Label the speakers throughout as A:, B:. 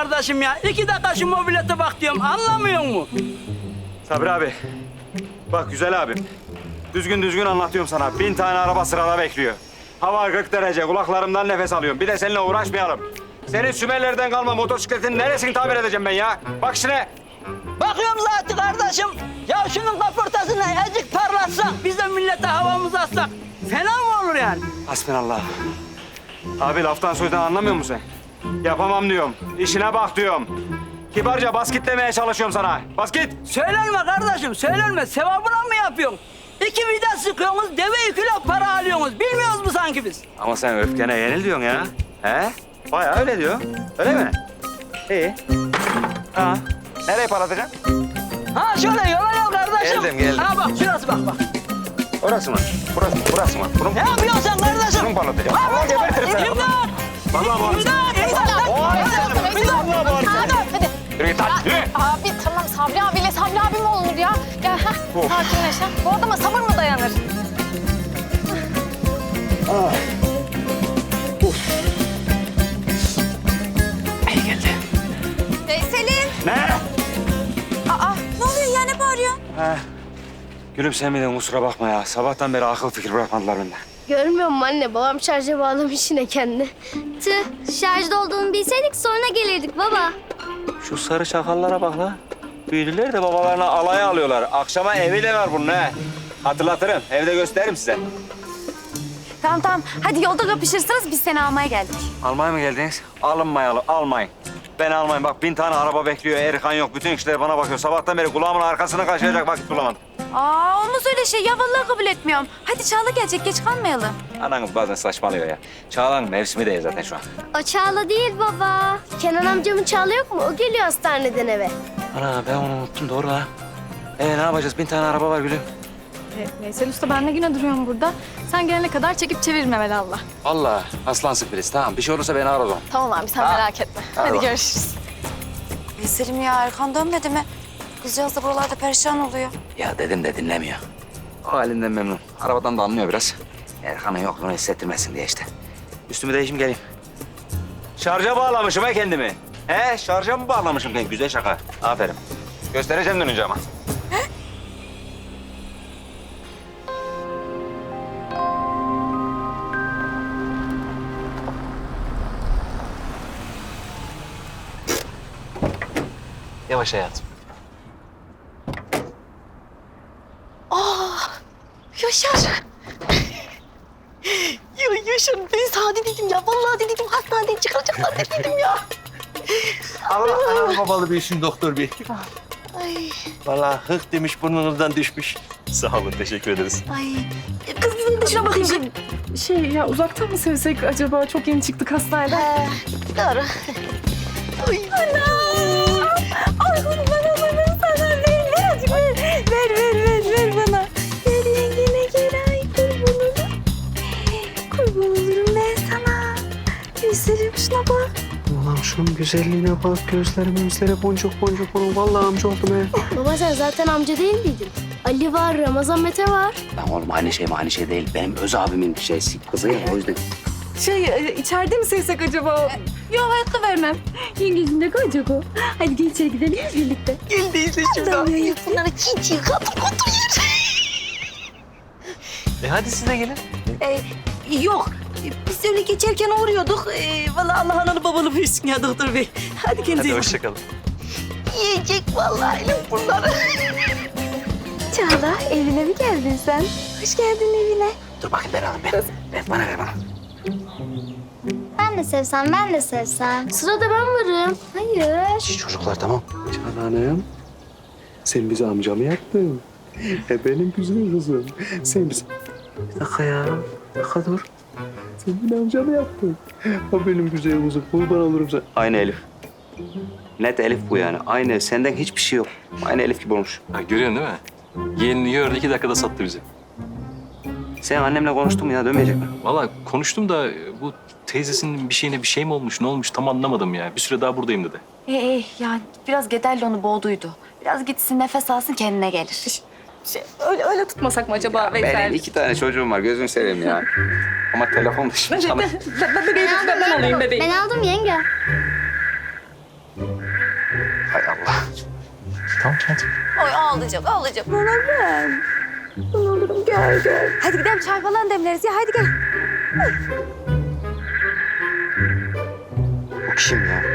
A: kardeşim ya. 2 dakika şu mobilete bak diyorum. Anlamıyor mu?
B: Sabri abi. Bak güzel abim. Düzgün anlatıyorum sana. 1000 tane araba sırada bekliyor. Hava 40 derece. Kulaklarımdan nefes alıyorum. Bir de seninle uğraşmayalım. Senin Sümerlerden kalma motosikletin neresini tamir edeceğim ben ya? Bak işine.
A: Bakıyorum zaten kardeşim. Ya şunun kaportasını azıcık parlatsak, biz de millete havamızı atsak. Fena mı olur yani?
B: Hasbinallah. Abi laftan sözden anlamıyor musun sen? Yapamam diyorum. İşine bak diyorum. Kibarca bas git demeye çalışıyorum sana. Bas git.
A: Söylenme kardeşim, söylenme. Sevabına mı yapıyorsun? 2 vida sıkıyorsunuz, deve 2 kilo para alıyorsunuz. Bilmiyoruz mu sanki biz?
B: Ama sen öfkene yenil diyorsun ya. He? Bayağı öyle diyor. Öyle mi? İyi. Ha. Nereye paratacaksın?
A: Ha şöyle yola gel kardeşim.
B: Geldim.
A: Ha bak şurası bak.
B: Orası mı? Burası mı? Bunu
A: Ne yapıyorsun sen kardeşim?
B: Bunu parlatacağım. Allah gebertirim seni.
A: İmdat!
B: Vallahi bağıracağım. Vallahi bağıracağım.
C: Hadi.
B: Yürü git lan, yürü.
C: Abi tamam Sabri abiyle Sabri abi mi olur ya? Gel ha. Sakinleş ha. Bu adama sabır mı dayanır?
B: İyi geldi.
C: Selin.
B: Ne?
C: Aa ne oluyor ya ne bağırıyorsun?
B: He. Gülüm sen miydin kusura bakma ya. Sabahtan beri akıl fikir bırakmadılar benden.
D: Görmüyor musun anne? Babam şarja bağlamış yine kendini.
E: Tüh, şarjda olduğunu bilseydik sonra gelirdik baba.
B: Şu sarı çakallara bak la. Büyüdüler de babalarına alaya alıyorlar. Akşama evi de var bunun he. Hatırlatırım. Evde gösteririm size.
C: Tamam. Hadi yolda kapışırsınız biz seni almaya geldik.
B: Almaya mı geldiniz? Alınmayalım, almayın. Ben almayın. Bak 1000 tane araba bekliyor. Erkan yok. Bütün kişiler bana bakıyor. Sabahtan beri kulağımın arkasını kaşıyacak vakit bulamadım.
C: Aa olmaz öyle şey ya vallahi kabul etmiyorum. Hadi Çağla gelecek geç kalmayalım.
B: Ananız bazen saçmalıyor ya. Çağla'nın mevsimi değil zaten şu an.
E: O Çağla değil baba.
D: Kenan amcamın Çağla yok mu? O geliyor hastaneden eve.
B: Ana ben onu unuttum doğru ha. Ne yapacağız? 1000 tane araba var gülüm.
F: Veysel Usta ben ne güne duruyorum burada. Sen gelene kadar çekip çevirme velallah.
B: Allah aslansın Filiz. Tamam bir şey olursa beni ara o zaman.
C: Tamam abi sen merak etme. Hadi
B: bak.
C: görüşürüz. Selim ya Erkan dönmedi mi? Kızcağız da buralarda perişan oluyor.
B: Ya dedim de dinlemiyor. O halinden memnun. Arabadan da anlıyor biraz. Erkan'ın yokluğunu hissettirmesin diye işte. Üstümü değişim geleyim. Şarja bağlamışım ha kendimi. He şarja mı bağlamışım kendimi? Güzel şaka. Aferin. Göstereceğim dönünce ama. Yavaş hayatım.
C: Yaşar. Ya Yaşar ben sana dedim ya. Vallahi dedim hastaneden çıkaracaklar dedim ya.
G: Allah babalı bir işin doktor bey.
C: Ay
G: Vallahi hık demiş burnunuzdan düşmüş. Sağ olun teşekkür ederiz.
C: ay. Kız bizim de şuna bakayım.
F: Şey ya uzaktan mı sevsek acaba? Çok yeni çıktık hastaneden.
C: Doğru. Ay anam. Ay bana sana ver azıcık ver bana. Ver yengene gel ay kurban olurum ben sana. Yüzlerim şuna bak.
H: Ulan şunun güzelliğine bak. Gözleri boncuk onun. Vallahi amca oldum he.
D: Baba sen zaten amca değil miydin? Ali var, Ramazan Mete var.
I: Lan oğlum aynı şey değil. Benim öz abimin kızı ya o yüzden.
F: İçeride mi sevsek acaba?
C: Yok hayatta vermem.
F: Yengecim ne koyacak o? Hadi gel içeri gidelim birlikte.
C: Gel değilse şurada. Bunları çiğ katır yer.
G: Hadi siz de gelin.
C: Yok. Biz öyle geçerken uğruyorduk. Vallahi Allah analı babalı büyüsün ya doktor bey. Hadi kendinize iyi
G: Hadi
C: bakın.
G: hoşçakalın.
C: Yiyecek vallahi elim bunları. Çağla evine mi geldin sen? Hoş geldin evine.
I: Dur bakayım ben alayım ben. Bana ver bana.
E: Ben de sevsem.
D: Sırada ben varım.
E: Hayır.
I: Şş, çocuklar tamam.
H: Cananım. Sen bize amca mı yaptın? Benim güzel kızım. Sen bize... Bir dakika ya. Bir dakika dur. Sen beni amca mı yaptın? O benim güzel kızım. Kurban olurum sen.
B: Aynı Elif. Net Elif bu yani. Aynı. Senden hiçbir şey yok. Aynı Elif gibi olmuş.
G: Ha, görüyorsun değil mi? Yeğenini gördü 2 dakikada sattı bizi.
B: Sen annemle konuştun mu ya? Dönmeyecek mi?
G: Vallahi konuştum da bu teyzesinin bir şeyine bir şey mi olmuş, ne olmuş tam anlamadım ya. Bir süre daha buradayım dedi.
C: Yani biraz Gederli onu boğduydu. Biraz gitsin nefes alsın kendine gelir.
F: Öyle tutmasak mı acaba Veysel?
B: Benim 2 tane çocuğum var. Gözünü seveyim ya. Ama telefon dışında çalış.
F: Ben alayım bebeğim.
E: Ben aldım yenge.
G: Tamam hadi.
C: Ay ağlayacak. Bana ben. Ben olurum gel.
F: Hadi gidelim çay falan demleriz ya hadi gel.
B: Bu kim ya?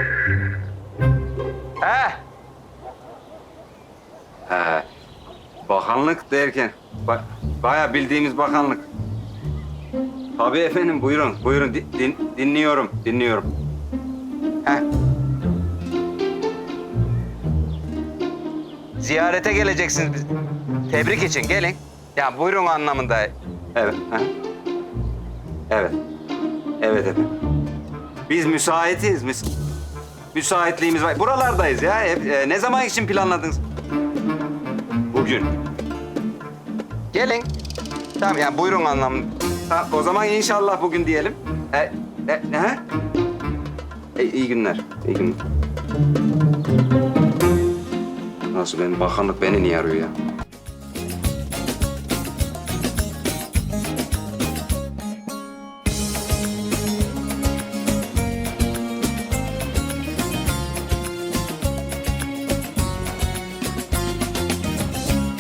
B: He. Bakanlık derken, bayağı bildiğimiz bakanlık. Tabii efendim, buyurun. Dinliyorum. He. Ziyarete geleceksiniz biz. Tebrik için gelin. Ya buyurun anlamında. Evet. He. Evet efendim. Biz müsaitiz. Müsaitliğimiz var. Buralardayız ya. Ne zaman için planladınız? Bugün. Gelin. Tamam yani buyurun anlamında. Ha, o zaman inşallah bugün diyelim. İyi günler. Nasıl bakanlık beni niye arıyor ya?